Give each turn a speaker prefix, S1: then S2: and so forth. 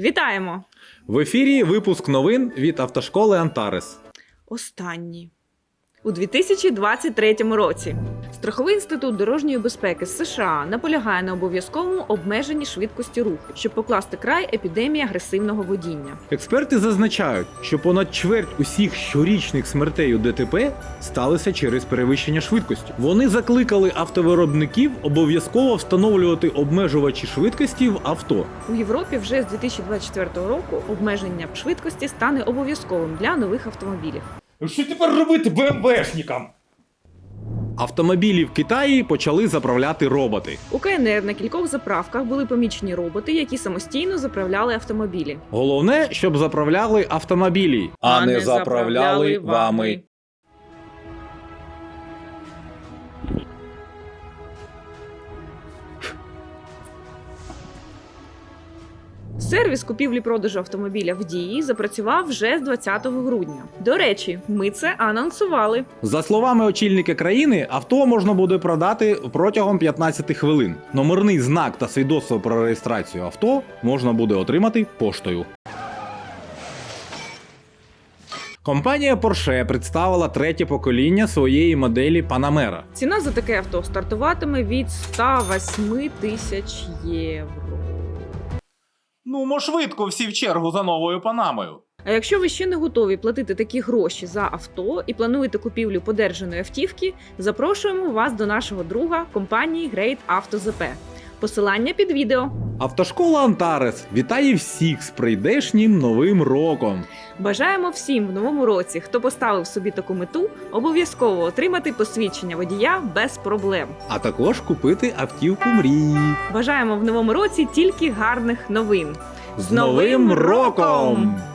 S1: Вітаємо!
S2: В ефірі випуск новин від автошколи «Антарес».
S1: Останній. У 2023 році Страховий інститут дорожньої безпеки з США наполягає на обов'язковому обмеженні швидкості руху, щоб покласти край епідемії агресивного водіння.
S2: Експерти зазначають, що понад чверть усіх щорічних смертей у ДТП сталися через перевищення швидкості. Вони закликали автовиробників обов'язково встановлювати обмежувачі швидкості в авто.
S1: У Європі вже з 2024 року обмеження швидкості стане обов'язковим для нових автомобілів.
S3: Що тепер робити БМВшникам?
S2: Автомобілі в Китаї почали заправляти роботи.
S1: У КНР на кількох заправках були помічені роботи, які самостійно заправляли автомобілі.
S2: Головне, щоб заправляли автомобілі,
S1: А не заправляли вами. Сервіс купівлі-продажу автомобіля в Дії запрацював вже з 20 грудня. До речі, ми це анонсували.
S2: За словами очільника країни, авто можна буде продати протягом 15 хвилин. Номерний знак та свідоцтво про реєстрацію авто можна буде отримати поштою. Компанія Porsche представила третє покоління своєї моделі Panamera.
S1: Ціна за таке авто стартуватиме від 108 тисяч євро.
S3: Ну, швидко всі в чергу за новою Панамою.
S1: А якщо ви ще не готові платити такі гроші за авто і плануєте купівлю подержаної автівки, запрошуємо вас до нашого друга компанії Great Auto ZP. Посилання під відео.
S2: Автошкола «Антарес» вітає всіх з прийдешнім новим роком!
S1: Бажаємо всім в новому році, хто поставив собі таку мету, обов'язково отримати посвідчення водія без проблем.
S2: А також купити автівку мрії.
S1: Бажаємо в новому році тільки гарних новин.
S2: З Новим роком!